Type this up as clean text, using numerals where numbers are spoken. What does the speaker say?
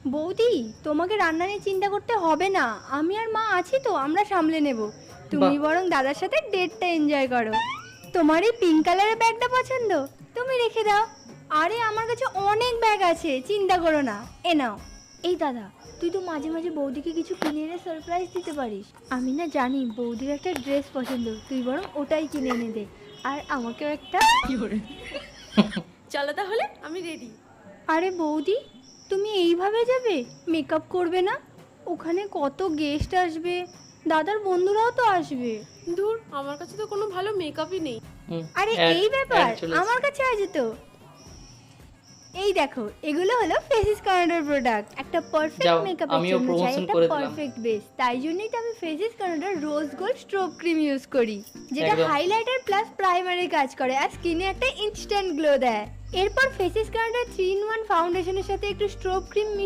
বৌদি, তোমাকে রান্না নিয়ে চিন্তা করতে হবে না, আমি আর মা আছি তো, আমরা সামলে নেব। তুমি বাহ। বরং দাদার সাথে ডেটটা এনজয় করো। তোমার এই পিঙ্ক কালারের ব্যাগটা পছন্দ, তুমি রেখে দাও। আরে আমার কাছে অনেক ব্যাগ আছে, চিন্তা করো না, এ নাও। এই দাদা, তুই তো মাঝে মাঝে বৌদিকে কিছু কিনে এনে সারপ্রাইজ দিতে পারিস। আমি না জানি বৌদির একটা ড্রেস পছন্দ, তুই বরং ওটাই কিনে এনে দে। আর আমাকেও একটা। চলো তাহলে, আমি রেডি। আরে বৌদি, তুমি এইভাবে যাবে? মেকআপ করবে না? ওখানে কত গেস্ট আসবে, দাদার বন্ধুরাও তো আসবে। দূর, আমার কাছে তো কোনো ভালো মেকআপই নেই। আরে Ad- এই ব্যাপার, ad চলে এসেছে। আমার কাছে আছে তো। এই দেখো, এগুলো হলো ফেসিস কানাডার প্রোডাক্ট। একটা পারফেক্ট যাও, মেকআপের আমিও জন্য চাই promotion একটা করে দিলাম। পারফেক্ট বেস, তাই জন্যই তো আমি ফেসিস কানাডার rose gold strobe cream use করি, যেটা একদম। হাইলাইটার প্লাস প্রাইমারি কাজ করে আর স্কিনে একটা ইনস্ট্যান্ট গ্লো দেয়। এরপর ফেসিস কানাডার 3-in-1 ফাউন্ডেশনের সাথে একটু স্ট্রোব ক্রিম